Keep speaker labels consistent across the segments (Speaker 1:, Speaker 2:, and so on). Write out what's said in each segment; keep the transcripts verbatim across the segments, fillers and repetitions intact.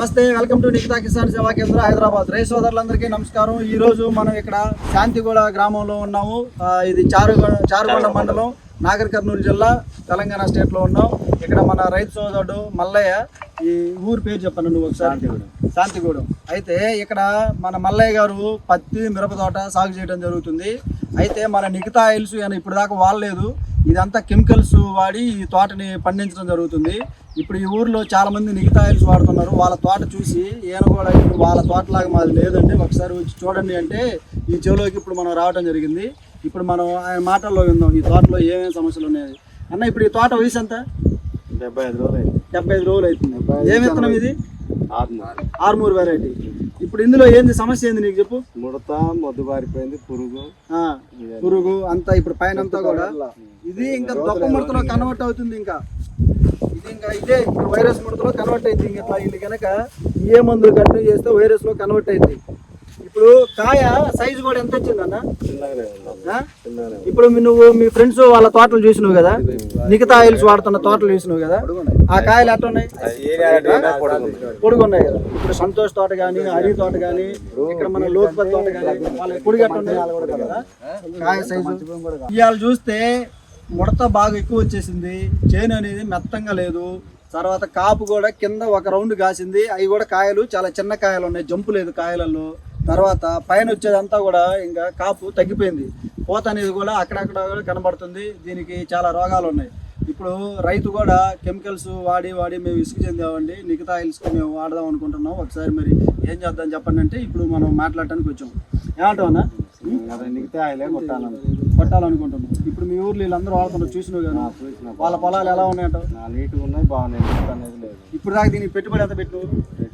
Speaker 1: నమస్తే, welcome to Nikhita Kisan సేవా కేంద్ర హైదరాబాద్. రైతు సోదరులందరికీ నమస్కారం. ఈ రోజు మనం ఇక్కడ శాంతిగూడ గ్రామంలో ఉన్నాము. ఇది చారుగొండ చారుగొండ మండలం, నాగర్ కర్నూలు జిల్లా, తెలంగాణ స్టేట్ లో ఉన్నాం. ఇక్కడ మన రైతు సోదరుడు మల్లయ్య, ఈ ఊరు పేరు చెప్పాను నువ్వు ఒకసారి. శాంతిగూడెం. అయితే ఇక్కడ మన మల్లయ్య గారు పత్తి మిరప తోట సాగు చేయడం జరుగుతుంది. అయితే మన నిఖితా ఆయిల్స్ ఇప్పుడు దాకా వాడలేదు, ఇదంతా కెమికల్స్ వాడి ఈ తోటని పండించడం జరుగుతుంది. ఇప్పుడు ఈ ఊర్లో చాలా మంది నిఖితా ఆయిల్స్ వాడుతున్నారు. వాళ్ళ తోట చూసి ఈయన కూడా ఇప్పుడు వాళ్ళ తోటలాగా మాది లేదండి, ఒకసారి వచ్చి చూడండి అంటే ఈ చెవులోకి ఇప్పుడు మనం రావడం జరిగింది. ఇప్పుడు మనం ఆయన మాటల్లో విందాం ఈ తోటలో ఏమేమి సమస్యలు ఉన్నాయి. అన్న, ఇప్పుడు ఈ తోట వయసు ఎంత?
Speaker 2: డెబ్బై ఐదు రోజులు అయింది.
Speaker 1: డెబ్బై ఐదు రోజులు అవుతుంది. ఏమి విత్తనం ఇది? ఆర్మూర్ వెరైటీ. ఇప్పుడు ఇందులో ఏంది సమస్య ఏంది నీకు చెప్పు.
Speaker 2: ముడత, మొద్దు బారిపోయింది, పురుగు
Speaker 1: పురుగు అంతా ఇప్పుడు పైన అంతా కూడా ఇది ఇంకా దొక్క ముడతలో కన్వర్ట్ అవుతుంది. ఇంకా ఇది ఇంకా ఇదే ఇప్పుడు వైరస్ ముడతలో కన్వర్ట్ అయింది. ఇంకా ఇది కనుక ఏ మందులు కంటిన్యూ చేస్తే వైరస్ లో కన్వర్ట్ అయింది. ఇప్పుడు కాయ సైజు కూడా ఎంత వచ్చింది అన్న? ఇప్పుడు నువ్వు మీ ఫ్రెండ్స్ వాళ్ళ తోటలు చూసినావు కదా, నిఖితా ఆయిల్స్ వాడుతున్న తోటలు చూసినావు కదా, ఆ కాయలు ఎట్లా ఉన్నాయి? పొడుగు ఉన్నాయి కదా. ఇప్పుడు సంతోష్ తోట కానీ, హరి తోట కానీ, ఇక్కడ మన లోక్పత్ తోట కానీ, వాళ్ళ పొడుగు ఎట్లా ఉన్నాయి కదా కాయ సైజు. ఇవాళ చూస్తే ముడత బాగా ఎక్కువ వచ్చేసింది, చేను అనేది మెత్తంగా లేదు. తర్వాత కాపు కూడా కింద ఒక రౌండ్ కాసింది, అవి కూడా కాయలు చాలా చిన్న కాయలు ఉన్నాయి, జంపు లేదు కాయలలో. తర్వాత పైన వచ్చేదంతా కూడా ఇంకా కాపు తగ్గిపోయింది, పూత అనేది కూడా అక్కడక్కడ కూడా కనబడుతుంది. దీనికి చాలా రోగాలు ఉన్నాయి. ఇప్పుడు రైతు కూడా కెమికల్స్ వాడి వాడి మేము ఇసుకు చెందామండి, నిఖితా ఆయిల్స్కి మేము వాడదాం అనుకుంటున్నాం. ఒకసారి మరి ఏం చేద్దాం చెప్పండి అంటే ఇప్పుడు మనం మాట్లాడటానికి వచ్చాం. ఏమంటావు అన్న?
Speaker 2: నిఖితా ఆయిలే కొట్టాలను
Speaker 1: కొట్టాలనుకుంటున్నాం. ఇప్పుడు మీ ఊర్లో వీళ్ళందరూ వాడుతున్నారు, చూసినావు కదా, వాళ్ళ పొలాలు ఎలా ఉన్నాయంటావు?
Speaker 2: నీట్గా ఉన్నాయి, బాగున్నాయి, అనేది లేదు.
Speaker 1: ఇప్పుడు దాకా దీనికి పెట్టుబడి ఎంత పెట్టు?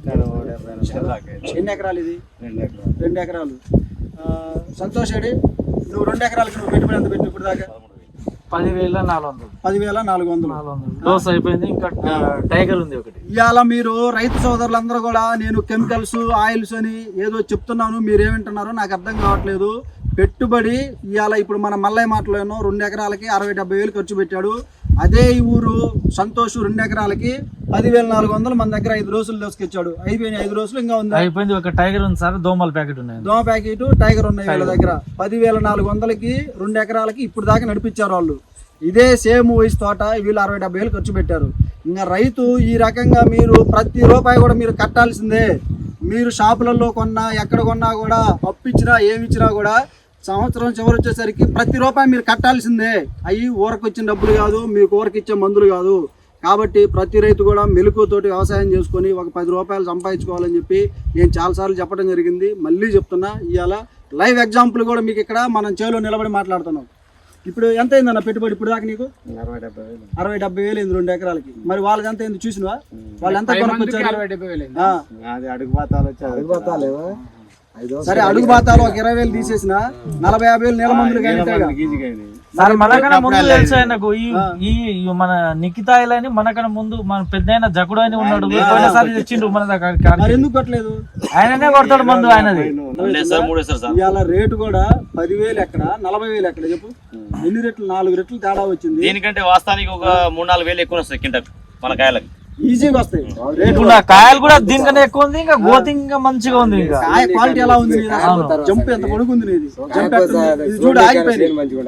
Speaker 1: ఎన్ని ఎకరాలు ఇది?
Speaker 2: రెండు ఎకరాలు.
Speaker 1: రెండు ఎకరాలు. సంతోష్ ఏడి, నువ్వు రెండు ఎకరాలకి నువ్వు పెట్టుబడి ఎంత పెట్టు ఇప్పుడు దాకా?
Speaker 3: పదివేల నాలుగు వందలు
Speaker 1: పదివేల నాలుగు వందలు
Speaker 3: డోస్ అయిపోయింది. ఇంకా టైగర్ ఉంది ఒకటి.
Speaker 1: ఇవాళ మీరు రైతు సోదరులందరూ కూడా నేను కెమికల్స్ ఆయిల్స్ అని ఏదో చెప్తున్నాను, మీరేమంటున్నారో నాకు అర్థం కావట్లేదు. పెట్టుబడి ఇవాళ ఇప్పుడు మన మల్లయ్య మాటలోనో రెండు ఎకరాలకి అరవై డెబ్బై వేలు ఖర్చు పెట్టాడు. అదే ఈ ఊరు సంతోష్ రెండు ఎకరాలకి పదివేల నాలుగు వందలు మన దగ్గర ఐదు రోజులు దోసుకొచ్చాడు. అయిపోయినాయి ఐదు రోజులు, ఇంకా ఉంది
Speaker 3: అయిపోయింది. ఒక టైగర్ ఉంది సార్, దోమల ప్యాకెట్ ఉన్నాయి,
Speaker 1: దోమ ప్యాకెట్ టైగర్ ఉన్నాయి వీళ్ళ దగ్గర. పదివేల నాలుగు వందలకి రెండు ఎకరాలకి ఇప్పుడు దాకా నడిపించారు వాళ్ళు. ఇదే సేమ్ వయసు తోట వీళ్ళు అరవై డెబ్బై వేలు ఖర్చు పెట్టారు. ఇంకా రైతు ఈ రకంగా మీరు ప్రతి రూపాయి కూడా మీరు కట్టాల్సిందే. మీరు షాపులలో కొన్నా ఎక్కడ కొన్నా కూడా అప్పు ఇచ్చినా ఏమి ఇచ్చినా కూడా సంవత్సరం చివరి వచ్చేసరికి ప్రతి రూపాయి మీరు కట్టాల్సిందే. అవి ఊరకు వచ్చిన డబ్బులు కాదు, మీకు ఊరికి ఇచ్చే మందులు కాదు. కాబట్టి ప్రతి రైతు కూడా మెలకువతోటి వ్యవసాయం చేసుకొని ఒక పది రూపాయలు సంపాదించుకోవాలని చెప్పి నేను చాలాసార్లు చెప్పడం జరిగింది. మళ్ళీ చెప్తున్నా, ఇవాళ లైవ్ ఎగ్జాంపుల్ కూడా మీకు ఇక్కడ మనం చేలో నిలబడి మాట్లాడుతున్నాం. ఇప్పుడు ఎంత అయిందన్న పెట్టుబడి ఇప్పుడు దాకా నీకు?
Speaker 2: అరవై డెబ్బై వేలు
Speaker 1: అరవై డెబ్బై వేలు అయింది రెండు ఎకరాలకి. మరి వాళ్ళకి ఎంత అయింది చూసినవా? వాళ్ళు ఎంత కొనుక్కొచ్చారు?
Speaker 2: అరవై డెబ్బై వేలు అడుగు బాతాలు వచ్చి అడుగు బాతాలు
Speaker 1: సరే, అడుగు బాతాలు ఒక ఇరవై వేలు తీసేసిన నలభై యాభై వేలు నెల మందులు
Speaker 3: సార్. మనకన్నా ముందు తెలుసు ఆయనకు ఈ మన నిఖితా ఆయిల్ అని, మనకన్నా ముందు మన పెద్ద ఆయన జకుడు అని ఉన్నాడు, పోయినసారి తెచ్చిండు మన దగ్గర.
Speaker 1: ఎందుకు కొట్టలేదు?
Speaker 3: ఆయననే కొడతాడు మందు ఆయనది.
Speaker 1: ఇవాళ రేటు కూడా పదివేలు ఎక్కడ, నలభై వేలు ఎక్కడ చెప్పు? ఎన్ని రెట్లు? నాలుగు రెట్లు తేడా వచ్చింది.
Speaker 4: దీనికంటే వాస్తవానికి ఒక మూడు నాలుగు వేలు ఎక్కువ వస్తాయి కింటకు మన కాయలకి,
Speaker 1: ఈజీగా వస్తాయి.
Speaker 3: కాయలు కూడా దీనికన్నా ఎక్కువ ఉంది, ఇంకా గ్రోత్ ఇంకా మంచిగా ఉంది. ఇంకా
Speaker 1: కాయ క్వాలిటీ ఎలా ఉంది? జంప్ ఎంత పొడుగుంది నీది, జంప్ చూడు ఆగిపోయింది.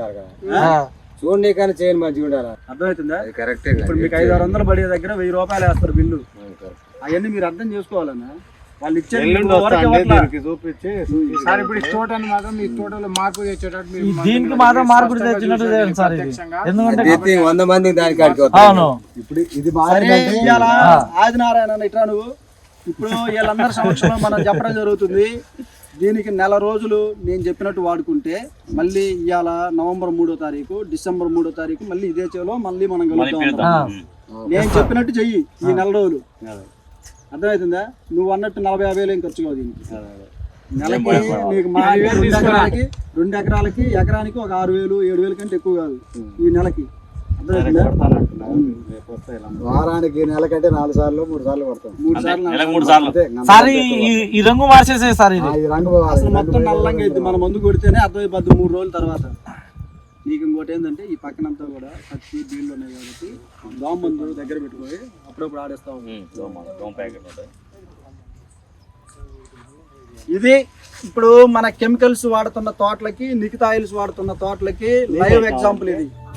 Speaker 2: చూడండి కానీ చేయని మంచిగా ఉండాలి.
Speaker 1: అర్థమవుతుందా? ఇప్పుడు మీకు ఐదు ఆరు వందలు పడే దగ్గర వెయ్యి రూపాయలు వేస్తారు బిల్లు. అవన్నీ మీరు అర్థం చేసుకోవాలన్నా. వాళ్ళు ఇచ్చేది
Speaker 2: చూపించి
Speaker 5: సార్ ఇప్పుడు తోటని మాత్రం మీ తోటలో మార్పు తెచ్చేటట్టు
Speaker 3: దీనికి మాత్రం మార్పు తెచ్చినట్టు సార్. ఇది ఎందుకంటే
Speaker 2: వంద మంది దానికి
Speaker 3: అవును.
Speaker 1: ఇప్పుడు ఇది ఆదినారాయణ ఇట్లా నువ్వు ఇప్పుడు వీళ్ళందరి సమక్షంలో మనం చెప్పడం జరుగుతుంది. దీనికి నెల రోజులు నేను చెప్పినట్టు వాడుకుంటే మళ్ళీ ఇవాళ నవంబర్ మూడో తారీఖు డిసెంబర్ మూడో తారీఖు మళ్ళీ ఇదే చేలో మళ్ళీ మనం కలుగుతాం. నేను చెప్పినట్టు చెయ్యి ఈ నెల రోజులు. అర్థమవుతుందా? నువ్వు అన్నట్టు నలభై యాభై వేలు ఏం ఖర్చు కాదు దీనికి. నెలకి నీకు మా రెండు ఎకరాలకి రెండు ఎకరాలకి ఎకరానికి ఒక ఆరు వేలు ఏడు వేలు కంటే ఎక్కువ కాదు ఈ నెలకి. అర్థమవుతుందా?
Speaker 2: వారానికి నెలకంటే నాలుగు సార్లు మూడు సార్లు పడతాం.
Speaker 1: మూడు సార్లు
Speaker 3: సార్ ఈ రంగు మార్చేసే సార్. ఇది
Speaker 2: రంగు
Speaker 1: అసలు మొత్తం నల్లంగా అయితే మన మందు కొడితేనే అర్థమైపోద్ది మూడు రోజుల తర్వాత. నీకు ఇంకోటి ఏంటంటే ఈ పక్కనంతా కూడా పచ్చి బీళ్ళు ఉన్నాయి కాబట్టి దోమ మందు దగ్గర పెట్టుకొని అప్పుడప్పుడు ఆడేస్తా ఉంటాం. ఇది ఇప్పుడు మన కెమికల్స్ వాడుతున్న తోటలకి నికితా ఆయిల్స్ వాడుతున్న తోటలకి లైవ్ ఎగ్జాంపుల్ ఇది.